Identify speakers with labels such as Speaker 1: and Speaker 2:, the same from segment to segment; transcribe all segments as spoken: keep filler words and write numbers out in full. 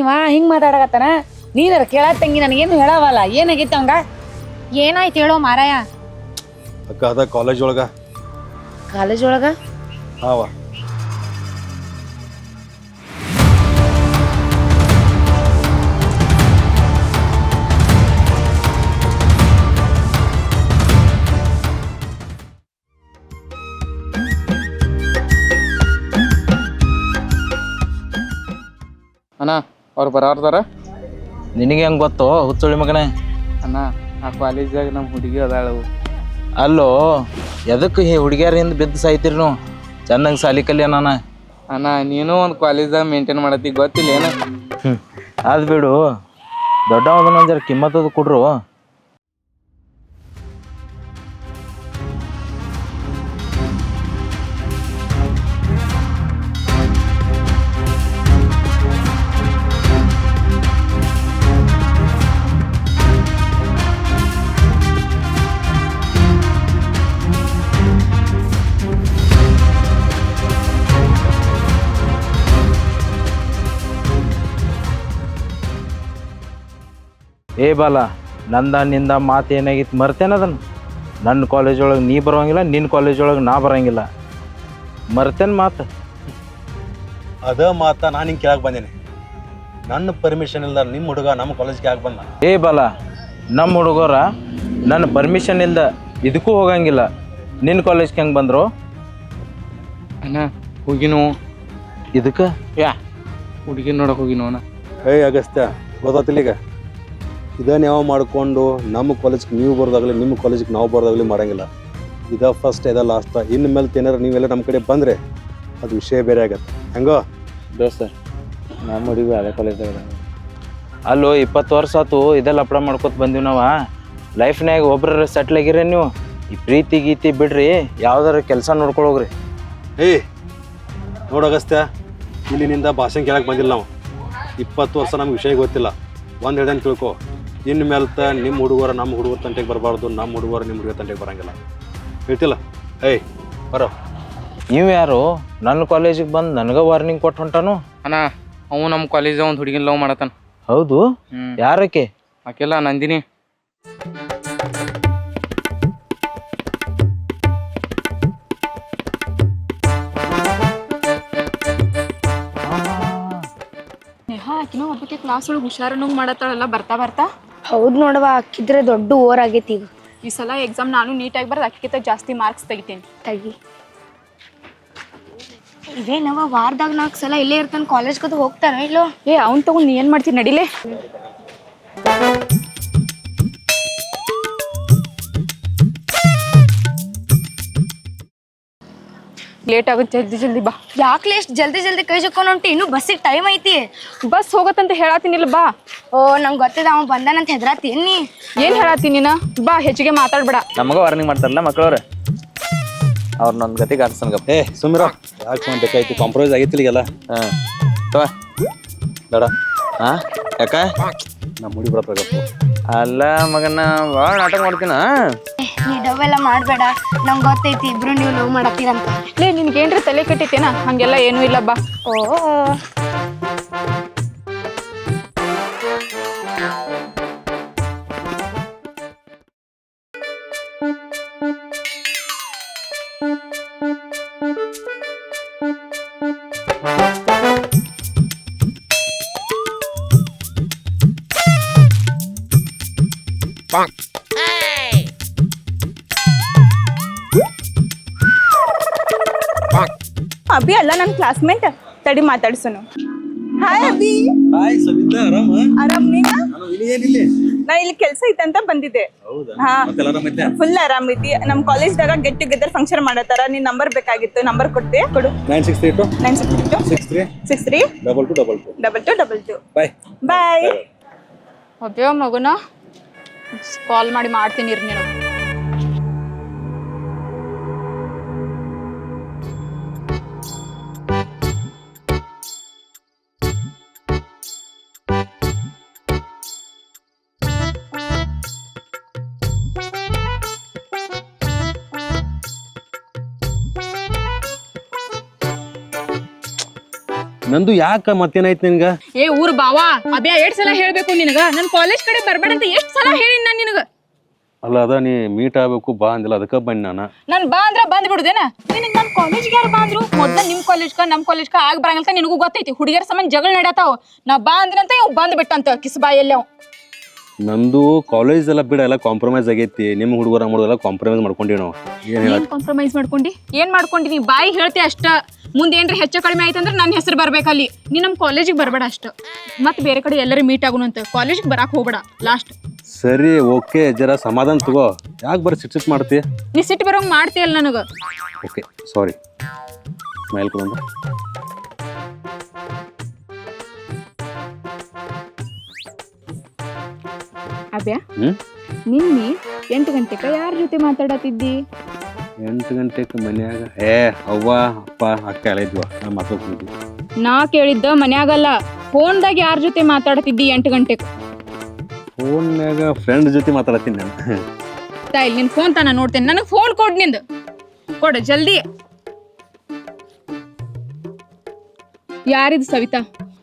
Speaker 1: ಏನವ ಹಿಂಗ್ ಮಾತಾಡಕತ್ತಾನ? ನೀನರ ಕೇಳತ್ ತಂಗಿ ನನಗೇನು ಹೇಳವಲ್ಲ. ಏನಾಗೈತೆ ಅವಂಗ?
Speaker 2: ಏನಾಯ್ತು ಹೇಳೋ ಮಾರಾಯ?
Speaker 3: ಅಕ್ಕ ಅದ ಕಾಲೇಜ್ ಒಳಗ.
Speaker 1: ಕಾಲೇಜ್ ಒಳಗ?
Speaker 3: ಹಾವ.
Speaker 4: ಅಣ್ಣ ಅವ್ರು ಬರಾರ್ದಾರ?
Speaker 5: ನಿನಗೆ ಹೆಂಗೆ ಗೊತ್ತು ಹುಚ್ಚುಳಿ ಮಗನೇ?
Speaker 4: ಅಣ್ಣ ಆ ಕಾಲೇಜಾಗ ನಮ್ಮ ಹುಡುಗಿ ಅದಾಳು.
Speaker 5: ಅಲ್ಲೋ ಎದಕ್ಕೆ ಈ ಹುಡುಗಿಯರ ಹಿಂದೆ ಬಿದ್ದು ಸಾಯ್ತಿರಿ ನೀವು? ಚೆನ್ನಾಗಿ ಸಾಲಿ ಕಲಿಯ ನಾನು.
Speaker 4: ಅಣ್ಣ ನೀನು ಒಂದು ಕಾಲೇಜಾಗ ಮೇಂಟೈನ್ ಮಾಡತ್ತಿ ಗೊತ್ತಿಲ್ಲ ಏನು?
Speaker 5: ಹ್ಞೂ ಅದು ಬಿಡು, ದೊಡ್ಡವದನ್ನ ಜರ ಕಿಮ್ಮತ್ತದು ಕೊಡ್ರು. ಏ ಬಾಲ, ನಂದ ನಿಂದ ಮಾತು ಏನಾಗಿತ್ತು ಮರ್ತೇನೆ ಅದನ್ನು? ನನ್ನ ಕಾಲೇಜ್ ಒಳಗೆ ನೀ ಬರೋಂಗಿಲ್ಲ, ನಿನ್ನ ಕಾಲೇಜ್ ಒಳಗೆ ನಾ ಬರೋಂಗಿಲ್ಲ. ಮರ್ತೇನೆ ಮಾತು.
Speaker 3: ಅದ ಮಾತ ನಾನು ಹಿಂಗೆ ಕೇಳಕ್ಕೆ ಬಂದೇನೆ. ನನ್ನ ಪರ್ಮಿಷನ್ ಇಲ್ದ ನಿಮ್ಮ ಹುಡುಗ ನಮ್ಮ ಕಾಲೇಜ್ಗೆ ಯಾಕೆ ಬಂದ?
Speaker 5: ಏ ಬಾಲ, ನಮ್ಮ ಹುಡುಗರ ನನ್ನ ಪರ್ಮಿಷನ್ ಇಲ್ದ ಇದಕ್ಕೂ ಹೋಗಂಗಿಲ್ಲ. ನಿನ್ನ ಕಾಲೇಜ್ಗೆ ಹೆಂಗೆ ಬಂದರು?
Speaker 4: ಅಣ್ಣ ಹೋಗಿನೋ
Speaker 5: ಇದಕ್ಕೆ
Speaker 4: ಯಾ ಹುಡುಗಿ ನೋಡಕ್ಕೆ ಹೋಗಿನೋ ಅಣ್ಣ.
Speaker 3: ಏಯ್ ಅಗಸ್ತ್ಯ, ಗೊತ್ತಾತಿಲ್ಲ ಈಗ? ಇದನ್ನ ಯಾವ ಮಾಡಿಕೊಂಡು ನಮ್ಮ ಕಾಲೇಜ್ಗೆ ನೀವು ಬರೋದಾಗಲಿ ನಿಮ್ಮ ಕಾಲೇಜಿಗೆ ನಾವು ಬರೋದಾಗಲಿ ಮಾಡೋಂಗಿಲ್ಲ. ಇದ ಫಸ್ಟ್ ಇದ ಲಾಸ್ಟ್. ಇನ್ನು ಮೇಲೆ ಏನಾರು ನೀವೆಲ್ಲ ನಮ್ಮ ಕಡೆ ಬಂದರೆ ಅದು ವಿಷಯ ಬೇರೆ ಆಗತ್ತೆ. ಹೆಂಗೋ
Speaker 4: ದೋಸ್ತ ನಮ್ಮ ಹುಡುಗಿ ಅದೇ ಕಾಲೇಜಾಗ.
Speaker 5: ಅಲ್ಲೋ ಇಪ್ಪತ್ತು ವರ್ಷ ಆತು ಇದೆಲ್ಲ ಅಪ್ಡ ಮಾಡ್ಕೊತ ಬಂದೀವಿ ನಾವು. ಲೈಫ್ನಾಗ ಒಬ್ರ ಸೆಟ್ಲ್ ಆಗಿರ ನೀವು. ಈ ಪ್ರೀತಿ ಗೀತಿ ಬಿಡ್ರಿ, ಯಾವ್ದಾರ ಕೆಲಸ ನೋಡ್ಕೊಳೋಗ್ರಿ.
Speaker 3: ಏಯ್ ನೋಡು ಅಗಸ್ತ್ಯ, ಇಲ್ಲಿನಿಂದ ಭಾಷೆ ಕೇಳಕ್ಕೆ ಬಂದಿಲ್ಲ ನಾವು. ಇಪ್ಪತ್ತು ವರ್ಷ ನಮ್ಗೆ ವಿಷಯ ಗೊತ್ತಿಲ್ಲ. ಒಂದು ಹೇಳ್ದಂಗೆ ತಿಳ್ಕೊ, ಇನ್ನು ಮೇಲ್ತ ನಿಮ್ಮ ಹುಡುಗರ ನಮ್ಮ ಹುಡುಗರ ತಂಟೆಗೆ ಬರಬಾರ್ದು, ನಮ್ಮ ಹುಡುಗರ ನಿಮ್ಮ ಹುಡುಗರ ತಂಟೆಗೆ ಬರೋಂಗಿಲ್ಲ. ಹೇಳ್ತಿಲ್ಲ? ಏಯ್ ಬರೋ.
Speaker 5: ನೀವು ಯಾರು ನನ್ನ ಕಾಲೇಜಿಗೆ ಬಂದು ನನಗೆ ವಾರ್ನಿಂಗ್ ಕೊಟ್ಟು ಹೊಂಟಾನು?
Speaker 4: ಅಣ್ಣ ಅವು ನಮ್ಮ ಕಾಲೇಜಾಗ ಒಂದು ಹುಡುಗಿನ ಲವ್ ಮಾಡತ್ತಾನ.
Speaker 5: ಹೌದು? ಯಾರಕ್ಕೆ?
Speaker 4: ಆಕೆಲ್ಲ ನಂದಿನಿ.
Speaker 2: ಆಕಿನೋ ಒಬ್ಬಕ್ಕೆ ಕ್ಲಾಸ್ ಒಳಗೆ ಹುಷಾರನ್ನು ಮಾಡತ್ತಾಳಲ್ಲ ಬರ್ತಾ ಬರ್ತಾ.
Speaker 6: ಹೌದು ನೋಡವ, ಅಕ್ಕಿದ್ರೆ ದೊಡ್ಡ ಓವರ್ ಆಗೈತಿ ಈಗ.
Speaker 2: ಈ ಸಲ ಎಕ್ಸಾಮ್ ನಾನು ನೀಟಾಗಿ ಬರ್ದು ಅಕ್ಕಿಂತ ಜಾಸ್ತಿ ಮಾರ್ಕ್ಸ್ ತೆಗಿತೀನಿ.
Speaker 6: ತಗಿ ಇದೇನವ, ವಾರದಾಗ ನಾಲ್ಕು ಸಲ ಇಲ್ಲೇ ಇರ್ತಾನೆ, ಕಾಲೇಜ್ ಕದ ಹೋಗ್ತಾನ ಇಲ್ಲೋ?
Speaker 2: ಏ ಅವ್ನು ತಗೊಂಡು ನೀ ಏನು ಮಾಡ್ತೀನಿ ನಡಿಲೇ. ಲೇಟ್ ಆಗುತ್ತೆ, ಜಲ್ದಿ ಜಲ್ದಿ ಬಾ.
Speaker 6: ಯಾಕ್ಲೆ ಎಷ್ಟು ಜಲ್ದಿ ಜಲ್ದಿ ಕೈ ಜಕ್ಕೊಂಡು ಹೊಂಟಿ? ಇನ್ನೂ ಬಸ್ಸಿಗೆ ಟೈಮ್ ಐತಿ.
Speaker 2: ಬಸ್ ಹೋಗತ್ತಂತ ಹೇಳತ್ತೀನಿಲ್ಲ ಬಾ.
Speaker 6: ಓ ನಂಗೆ ಗೊತ್ತಿದೆ, ಅವ ಬಂದಾನಂತ ಹೆದ್ರಾತೀನಿ ನೀ.
Speaker 2: ಏನು ಹೇಳತ್ತೀನಿ ನೀನು? ಬಾ, ಹೆಚ್ಚಿಗೆ ಮಾತಾಡ್ಬೇಡ.
Speaker 5: ನಮಗ ವಾರ್ನಿಂಗ್ ಮಾಡ್ತಾರಲ್ಲ ಮಕ್ಕಳವ್ರೆ, ಅವ್ರ ನನ್ನ ಗತಿಗೆ ಆಡ್ಸನ್ಗಪ್ಪ.
Speaker 3: ಏ ಸುಮ್ಮಿರ, ಯಾಕೆ ಬೇಕಾಯ್ತು? ಕಾಂಪ್ರಮೈಸ್ ಆಗೈತಿಲ್ಲ ಈಗೆಲ್ಲ.
Speaker 5: ಹಾಂ ತವ
Speaker 3: ಬೇಡ.
Speaker 5: ಹಾಂ ಯಾಕ?
Speaker 3: ನಮ್ಮ ಹುಡುಗಿ ಬರಪ್ಪ.
Speaker 5: ಅಲ್ಲ ಮಗನ ಭಾಳ ನಾಟಕ ಮಾಡ್ತೀನ.
Speaker 6: ನೀ ಡವೆಲ್ಲ ಮಾಡಬೇಡ, ನಂಗೆ ಗೊತ್ತೈತಿ ಇಬ್ರು ನೀವು ಲವ್ ಮಾಡತ್ತೀರಂತ.
Speaker 2: ಲೇ ನಿನ್ಗೇನ್ರಿ ತಲೆ ಕೆಟ್ಟಿತ್ತೇನ? ಹಂಗೆಲ್ಲ ಏನೂ ಇಲ್ಲ ಬಾ.
Speaker 6: ಓ
Speaker 7: ಅಭಿ ಅಲ್ಲ ನನ್ನ ಕ್ಲಾಸ್ಮೇಟ್, ತಡಿ ಮಾತಾಡ್ಸೋನು. ಹಾಯ್ ಅಭಿ.
Speaker 3: ಹಾಯ್ ಸವಿತಾ, ಆರಾಮ?
Speaker 7: ಆರಾಮ್ ನೀನ?
Speaker 3: ನಾನು ಇಲ್ಲಿ ಏನಿಲ್ಲ,
Speaker 7: ನಾ ಇಲ್ಲಿ ಕೆಲಸ ಐತಂತ ಬಂದಿದ್ದೆ.
Speaker 3: ಹೌದಾ?
Speaker 7: ಹಾ
Speaker 3: ಮತ್ತೆಲ್ಲ ಆರಾಮೈತೆ?
Speaker 7: ಫುಲ್ ಆರಾಮ್ ಐತಿ. ನಮ್ಮ ಕಾಲೇಜ್ದಾಗ ಗೆಟ್ ಟುಗೆದರ್ ಫಂಕ್ಷನ್ ಮಾಡತ್ತಾರ. ನಿನ್ ನಂಬರ್ ಬೇಕಾಗಿತ್ತು, ನಂಬರ್ ಕೊಡ್ತೆ ಕೊಡು.
Speaker 3: Nine six three two
Speaker 7: nine six two
Speaker 3: six three
Speaker 7: six three
Speaker 3: double two double two
Speaker 7: double two double two.
Speaker 3: Bye
Speaker 7: bye.
Speaker 2: ಅಬ್ಯೋ ಮಗುನ ಕಾಲ್ ಮಾಡಿ ಮಾಡ್ತೀನಿ ಇರ್ ನೀನು.
Speaker 3: ನಂದು ಯಾಕ ಮತ್ತೇನಾಯ್ತು ನಿನ್ಗ
Speaker 2: ಏ ಊರ್ ಬಾವಾ ಅಬ್ಯಾ ಎಷ್ಟ್ ಸಲ ಹೇಳ್ಬೇಕು ನಿನಗ ನನ್ ಕಾಲೇಜ್ ಕಡೆ ಬರ್ಬೇಡ ಅಂತ ಎಷ್ಟ್ ಸಲ ಹೇಳಿನ್ ನಾನ್ ನಿನಗ.
Speaker 3: ಅಲ್ಲ ಅದ ನೀ ಮೀಟ್ ಆಗ್ಬೇಕು ಬಾ ಅಂದಿಲ್ಲ ಅದಕ್ಕ ಬನ್ನಿ ನಾನು.
Speaker 2: ನಾನ್ ಬಾ ಅಂದ್ರ ಬಂದ್ ಬಿಡುದೇನ ನಿನಗ್ ನನ್ ಕಾಲೇಜ್ಗೆ ಯಾರು ಬಾ ಅಂದ್ರು ಮೊದ್ಲ ನಿಮ್ ಕಾಲೇಜ್ಕ ನಮ್ ಕಾಲೇಜ್ಕ ಆಗ್ ಬರಂಗಿಲ್ಲ ನಿನಗೂ ಗೊತ್ತೈತಿ ಹುಡುಗಿಯರ ಸಂಬಂಧ ಜಗಳ ನಡತಾವ ನಾ ಬಾ ಅಂದ್ರಂತ ಇವ್ ಬಂದ್ ಬಿಟ್ಟಂತ ಕಿಸ್ಬಾಯಲ್ಲಿ ಅವ್.
Speaker 3: ನಂದು ಕಾಲೇಜ್ ಎಲ್ಲ ಬಿಡ ಎಲ್ಲ ಕಾಂಪ್ರಮೈಸ್ ಆಗೈತಿ ನಿಮ್ಮ ಹುಡುಗರ ಮಾಡೋದೆಲ್ಲ ಕಾಂಪ್ರಮೈಸ್ ಮಾಡ್ಕೊಂಡೀವಿ ನಾವು. ಏನ್ ಹೇಳ
Speaker 2: ಏನ್ ಕಾಂಪ್ರಮೈಸ್ ಮಾಡ್ಕೊಂಡಿ ಏನ್ ಮಾಡ್ಕೊಂಡಿ ನೀ ಬಾಯಿ ಹೇಳ್ತಿ ಅಷ್ಟ ಮುಂದೆ ಏನ್ರ ಹೆಚ್ಚು ಕಡಿಮೆ ಆಯ್ತಂದ್ರ ನನ್ನ ಹೆಸರು ಬರ್ಬೇಕಲ್ಲಿ ನೀ ನಮ್ ಕಾಲೇಜಿಗೆ ಬರ್ಬೇಡ ಅಷ್ಟ ಮತ್ ಬೇರೆ ಕಡೆ ಎಲ್ಲರೂ ಮೀಟ್ ಆಗೋಣ ಅಂತ ಕಾಲೇಜಿಗೆ ಬರಾಕ್ ಹೋಗ್ಬೇಡ ಲಾಸ್ಟ್.
Speaker 3: ಸರಿ ಓಕೆ ಜರ ಸಮಾಧಾನ ತಗೋ ಯಾಕೆ ಬರೀ ಸಿಟ್ ಸಿಟ್ ಮಾಡ್ತಿ.
Speaker 2: ನೀ ಸಿಟ್ಟು ಬರೋಂಗ್ ಮಾಡ್ತೀಯಲ್ಲ ನನಗ.
Speaker 3: ಓಕೆ ಸಾರಿ ಮೈಲ್ ಕೊಡೋಣ.
Speaker 2: ಅಬ್ಯಾ
Speaker 3: ಹ್ಮ್
Speaker 2: ನಿನ್ನೆ ಎಂಟು ಗಂಟೆಕ ಯಾರ ಜೊತೆ ಮಾತಾಡತಿದ್ದಿ?
Speaker 3: ಎಂಟು ಗಂಟೆಗೆ ಮನ್ಯಾಗ ಏ ಅವ್ವ ಅಪ್ಪ ಅಕ್ಕ ಎಲ್ಲ ಇದ್ವ ನಾ ಮಾತಾಡ್ತಿದ್ವಿ.
Speaker 2: ನಾ ಕೇಳಿದ್ದ ಮನ್ಯಾಗಲ್ಲ ಫೋನ್ದಾಗ ಯಾರ ಜೊತೆ ಮಾತಾಡತಿದ್ದಿ ಎಂಟು ಗಂಟೆಕ್?
Speaker 3: ಫೋನ್ಯಾಗ ಫ್ರೆಂಡ್ ಜೊತೆ ಮಾತಾಡತ್ತೀನಿ ನಾನು.
Speaker 2: ತಾಯಿಲ್ ನಿನ್ ಫೋನ್ ತಾನ ನೋಡ್ತೇನೆ ನನಗೆ ಫೋನ್ ಕೊಡ್ ನಿಂದ ಕೊಡು ಜಲ್ದಿ. ಯಾರಿದ್ ಸವಿತಾ?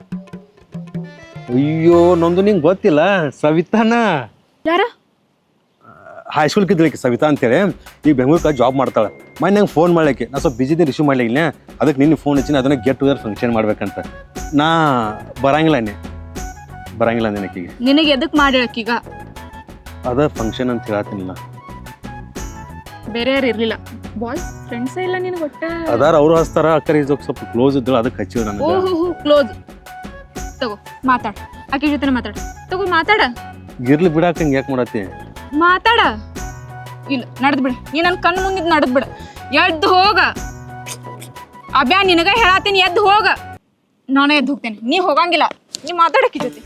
Speaker 3: ಅಯ್ಯೋ ನಂದು ನಿಂಗೆ ಗೊತ್ತಿಲ್ಲ ಸವಿತಾನ
Speaker 2: ಯಾರ?
Speaker 3: ಹೈಸ್ಕೂಲ್ಗೆ ಇದ್ಲಿಕ್ಕೆ ಸವಿತಾ ಅಂತೇಳಿ ಈಗ ಬೆಂಗ್ಳೂರ್ಗೆ ಜಾಬ್ ಮಾಡ್ತಾಳೆ. ಮನೆ ನಂಗೆ ಫೋನ್ ಮಾಡ್ಲಿಕ್ಕೆ ನಾ ಸ್ವಲ್ಪ ಬಿಜಿದೆ ರಿಸೀವ್ ಮಾಡ್ಲಿಲ್ಲ ಅದಕ್ಕೆ ನಿನ್ನ ಫೋನ್ ಹಚ್ಚಿನ ಅದನ್ನ ಗೆಟ್ ಟುಗೆದರ್ ಫಂಕ್ಷನ್ ಮಾಡ್ಬೇಕಂತ. ನಾ ಬರಂಗಿಲ್ಲ ನೀ ಬರಂಗಿಲ್ಲ ನಿನಕೀಗ.
Speaker 2: ನಿನಗೆ ಎದಕ್ ಮಾಡಿಳಕ್ಕೀಗ?
Speaker 3: ಅದ ಫಂಕ್ಷನ್ ಅಂತ ಹೇಳತ್ತೀನಿಲ್ಲ.
Speaker 2: ಬೇರೆ ಯಾರು ಇರ್ಲಿಲ್ಲ ಬಾಯ್ಸ್ ಫ್ರೆಂಡ್ಸ್ ಇಲ್ಲ ನಿನಗೆ ಒಟ್ಟ?
Speaker 3: ಅದಾರ ಅವ್ರು ಹಚ್ತಾರ ಅಕ್ಕರ ಇದ್ದಕ್ಕೆ ಸ್ವಲ್ಪ ಕ್ಲೋಸ್ ಇದ್ದಳು ಅದಕ್ಕೆ ಹಚ್ಚಿವ್ ನನಗೆ.
Speaker 2: ಓಹೋ ಹೋ ಕ್ಲೋಸ್. ತಗೋ ಮಾತಾಡ ಆಕೆ ಜೊತೆ ಮಾತಾಡ ತಗೋ ಮಾತಾಡ.
Speaker 3: ಇರ್ಲಿ ಬಿಡಾಕಂಗೆ ಯಾಕೆ ಮಾಡತ್ತಿ?
Speaker 2: ಮಾತಾಡ. ಇಲ್ಲ ನಡ್ದ್ ಬಿಡ ನೀ ನನ್ ಕಣ್ ಮುಂದಿದ್ ನಡ್ದ್ ಬಿಡ. ಎದ್ದು ಹೋಗ ಅಬ್ಯಾ ನಿನಗ ಹೇಳತ್ತೀನಿ ಎದ್ದು ಹೋಗ. ನಾನೇ ಎದ್ದು ಹೋಗ್ತೇನೆ ನೀ ಹೋಗಂಗಿಲ್ಲ ನೀ ಮಾತಾಡಕ್ಕಿ ಜೊತೆ.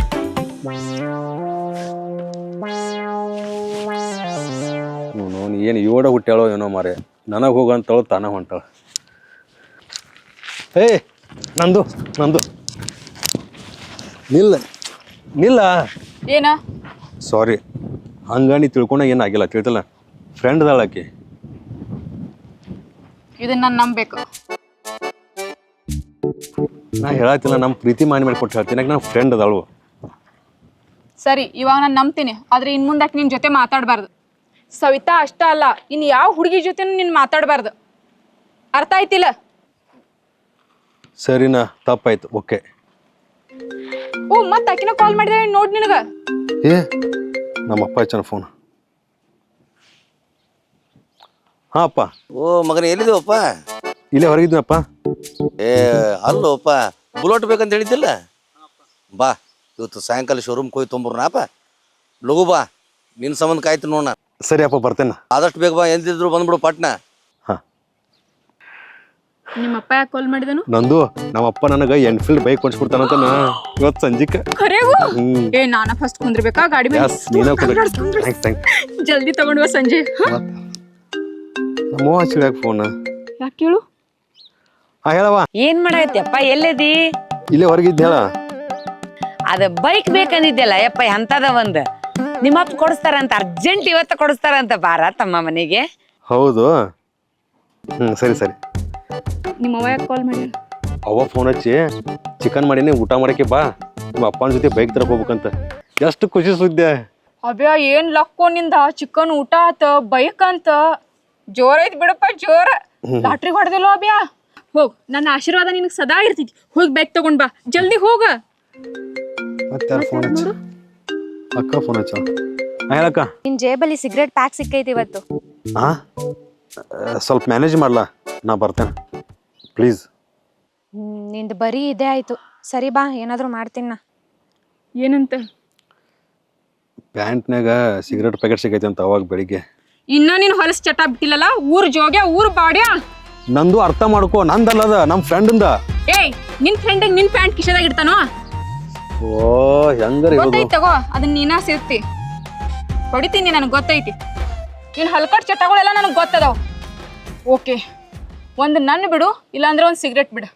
Speaker 3: ನೋನು ಏನು ಯೋಡ ಹುಟ್ಟ್ಯಾಳೋ ಏನೋ ಮಾರೆ ನನಗೆ ಹೋಗಂತಳು ತಾನ ಹೊಂಟಾಳ. ಏ ನಂದು ನಂದು ನಿಲ್ಲ ನಿಲ್ಲ.
Speaker 2: ಏನ?
Speaker 3: ಸಾರಿ ಹಂಗ ನೀ ತಿಳ್ಕೊಂಡ ಏನಾಗಿಲ್ಲ ತಿಳ್ತಲ್ಲ ಫ್ರೆಂಡ್ ಅದಾಳಕಿ.
Speaker 2: ಇದನ್ನ ನಾನು ನಂಬೇಕು.
Speaker 3: ನಾ ಹೇಳತ್ತಿಲ್ಲ ನಮ್ಮ ಪ್ರೀತಿ ಮಾಡಿ ಮಾಡಿ ಕೊಟ್ಟು ಹೇಳ್ತೀನಿ ನನ್ನ ಫ್ರೆಂಡ್ ಅದಾಳು.
Speaker 2: ಸರಿ ಇವಾಗ ನಾನು ನಂಬ್ತೀನಿ ಆದ್ರೆ ಇನ್ ಮುಂದಕ್ಕೆ ನಿನ್ ಜೊತೆ ಮಾತಾಡಬಾರ್ದು. ಸವಿತಾ ಅಷ್ಟ ಅಲ್ಲ ಇನ್ ಯಾವ ಹುಡುಗಿ ಜೊತೆನೂ ನೀನ್ ಮಾತಾಡಬಾರ್ದು. ಅರ್ಥ ಆಯ್ತಿಲ್ಲ?
Speaker 3: ಸರಿನಾ ತಪ್ಪಾಯ್ತು ಓಕೆ.
Speaker 2: ಓ ಮತ್ ಆಕಿನ ಕಾಲ್ ಮಾಡಿದ್ರೆ ನೋಡ್ ನಿನಗ.
Speaker 3: ಏ ನಮ್ಮಪ್ಪ ಹಚ್ಚನ ಫೋನ್. ಹಾ ಅಪ್ಪ.
Speaker 8: ಓ ಮಗನ ಎಲ್ಲಿದ್ದೀವಪ್ಪ?
Speaker 3: ಇಲ್ಲೇ ಹೊರಗಿದ್ನಪ್ಪ.
Speaker 8: ಏ ಅಲ್ಲೋಪ್ಪ ಬುಲೋಟ್ ಬೇಕಂತ ಹೇಳಿದ್ದಿಲ್ಲ ಬಾ ಇವತ್ತು ಸಾಯಂಕಾಲ ಶೋರೂಮ್ಗೆ ಹೋಗಿ ತೊಂಬರ್ನಪ್ಪ. ಲಘು ಬಾ ನಿನ್ನ ಸಂಬಂಧ ಕಾಯ್ತು ನೋಡ.
Speaker 3: ಸರಿ ಅಪ್ಪ ಬರ್ತೇನೆ
Speaker 8: ಆದಷ್ಟು ಬೇಗ ಬಾ ಎಂದಿದ್ರು ಬಂದ್ಬಿಡು ಪಟ್ನ.
Speaker 3: ಹಾ
Speaker 2: ನಿಮ್ಮಪ್ಪ ಯಾಕೆ ಕಾಲ್ ಮಾಡಿದನು?
Speaker 3: ನಂದು ನಮ್ಮಪ್ಪ ನನಗೆ ಎನ್ಫೀಲ್ಡ್ ಬೈಕ್ ಕೊಡ್ಸ್ಬಿಡ್ತಾನಂತ ನಾ ಇವತ್ತು ಸಂಜಿಕ.
Speaker 2: ಖರೇಗೂ? ಏ ನಾನ ಫಸ್ಟ್ ಕುಂದ್ರಬೇಕಾ ಗಾಡಿ ಮೇಲೆ?
Speaker 3: ಯಸ್ ನೀನ ಥ್ಯಾಂಕ್ಸ್ ಥ್ಯಾಂಕ್ಸ್.
Speaker 2: ಜಲ್ದಿ ತಗೊಂಡ್ವ ಸಂಜೆ.
Speaker 3: ನಮ್ಮ ಹಚ್ಚಿಡ್ಯಾಕ ಫೋನ್
Speaker 2: ಯಾಕೆ ಕೇಳು?
Speaker 3: ಹಾ ಹೇಳವ.
Speaker 1: ಏನ್ ಮಾಡೈತಿಯಪ್ಪ ಎಲ್ಲದಿ?
Speaker 3: ಇಲ್ಲೇ ಹೊರಗಿದ್ದ ಹೇಳ.
Speaker 1: ಅದ ಬೈಕ್ ಬೇಕಂದಿದ್ದೆಲ್ಲ ಯಪ್ಪ ಎಂತದ ಒಂದ್ ನಿಮ್ಮಪ್ಪ ಕೊಡಿಸ್ತಾರಂತ ಅರ್ಜೆಂಟ್ ಇವತ್ತ ಕೊಡಿಸ್ತಾರಂತ ಬಾರ ತಮ್ಮ ಮನೆಗೆ.
Speaker 3: ಹೌದು ಹ್ಮ್ ಸರಿ ಸರಿ.
Speaker 2: ನಿಮ್ಮವ್ವ ಯಾಕೆ ಕಾಲ್ ಮಾಡಿ?
Speaker 3: ಅವ್ವ ಫೋನ್ ಹಚ್ಚಿ ಚಿಕನ್ ಮಾಡೀನಿ ಊಟ ಮಾಡಕ್ಕೆ ಬಾ ನಿಮ್ಮ ಅಪ್ಪನ ಜೊತೆ ಬೈಕ್ ತರಕ್ ಹೋಗ್ಬೇಕಂತ. ಎಷ್ಟು ಖುಷಿ ಸುದ್ದಿ.
Speaker 2: ಅಬ್ಯಾ ಏನ್ ಲಕ್ಕೋ ನಿಂದ ಚಿಕನ್ ಊಟ ಆತ ಬೈಕ್ ಅಂತ ಜೋರ ಐತಿ ಬಿಡಪ್ಪ ಜೋರ. ಲಾಟ್ರಿ ಹೊಡೆದಿಲ್ಲ ಅಬ್ಯಾ. ಹೋಗ್ ನನ್ನ ಆಶೀರ್ವಾದ ನಿನಗೆ ಸದಾ ಇರ್ತೈತಿ. ಹೋಗಿ ಬೈಕ್ ತಗೊಂಡ್ ಬಾ ಜಲ್ದಿ ಹೋಗ.
Speaker 3: ಮತ್ತೆ ಯಾರು ಫೋನ್ ಹಚ್ಚ? ಅಕ್ಕ ಫೋನ್ ಹಚ್ಚ. ಹೇಳಕ್ಕ.
Speaker 6: ನಿನ್ ಜೇಬಲ್ಲಿ ಸಿಗರೇಟ್ ಪ್ಯಾಕ್ ಸಿಕ್ಕೈತಿ ಇವತ್ತು.
Speaker 3: ಹಾ ಸ್ವಲ್ಪ ಮ್ಯಾನೇಜ್ ಮಾಡ್ಲಾ ನಾ ಬರ್ತೇನೆ ಪ್ಲೀಸ್.
Speaker 6: ಹ್ಮ್ ನಿಂದು ಬರೀ ಇದೇ ಆಯ್ತು. ಸರಿ ಬಾ ಏನಾದ್ರು ಮಾಡ್ತೀನಿ ನಾ.
Speaker 2: ಏನಂತ?
Speaker 3: ಪ್ಯಾಂಟ್ನಾಗ ಸಿಗರೇಟ್ ಪ್ಯಾಕೆಟ್ ಸಿಗೈತೆ ಅಂತ ಅವಾಗ ಬೆಳಿಗ್ಗೆ.
Speaker 2: ಇನ್ನ ನೀನ್ ಹೊಲಸ್ ಚಟ ಬಿಟ್ಟಿಲ್ಲಲ್ಲ ಊರ್ ಜೋಗ್ಯ ಊರ್ ಬಾಡ್ಯಾ.
Speaker 3: ನಂದು ಅರ್ಥ ಮಾಡ್ಕೋ ನಂದಲ್ಲದ ನಮ್ಮ ಫ್ರೆಂಡಿಂದ.
Speaker 2: ಏಯ್ ನಿನ್ ಫ್ರೆಂಡ್ ನಿನ್ ಪ್ಯಾಂಟ್ ಕಿಶದಾಗ ಇಡ್ತಾನೋ?
Speaker 3: ಓ ಹೆಂಗಾರ
Speaker 2: ಗೊತ್ತೈತಿ ತಗೋ ಅದನ್ನ ನೀನಾ ಸೇರ್ತಿ ಹೊಡಿತೀನಿ ನನಗೆ ಗೊತ್ತೈತಿ. ಇನ್ ಹಲ್ಕಟ್ ಚಟಗಳೆಲ್ಲ ನನಗೆ ಗೊತ್ತದಾವ್. ಓಕೆ ಒಂದು ನನ್ನ ಬಿಡು ಇಲ್ಲಾಂದ್ರೆ ಒಂದು ಸಿಗರೇಟ್ ಬಿಡು.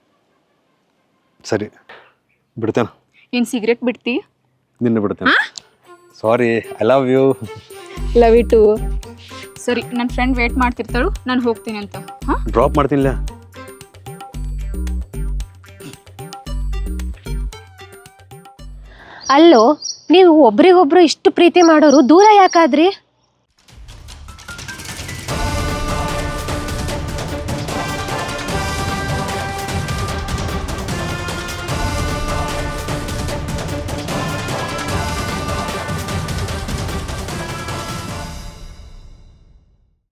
Speaker 3: ಸರಿ ಬಿಡ್ತೇನೆ.
Speaker 2: ಏನ್ ಸಿಗರೇಟ್ ಬಿಡ್ತಿ?
Speaker 3: ನಿನ್ನ ಬಿಡ್ತೇನೆ. Sorry I love you.
Speaker 2: Love you too. ಸರಿ ನನ್ನ ಫ್ರೆಂಡ್ ವೇಟ್ ಮಾಡ್ತಿರ್ತಾಳು ನಾನು ಹೋಗ್ತೀನಿ ಅಂತ. ಹಾ
Speaker 3: ಡ್ರಾಪ್ ಮಾಡ್ತೀನಿಲ್ಲ.
Speaker 9: ಅಲ್ಲೋ ನೀವು ಒಬ್ರಿಗೊಬ್ರು ಇಷ್ಟು ಪ್ರೀತಿ ಮಾಡೋರು ದೂರ ಯಾಕಾದ್ರಿ?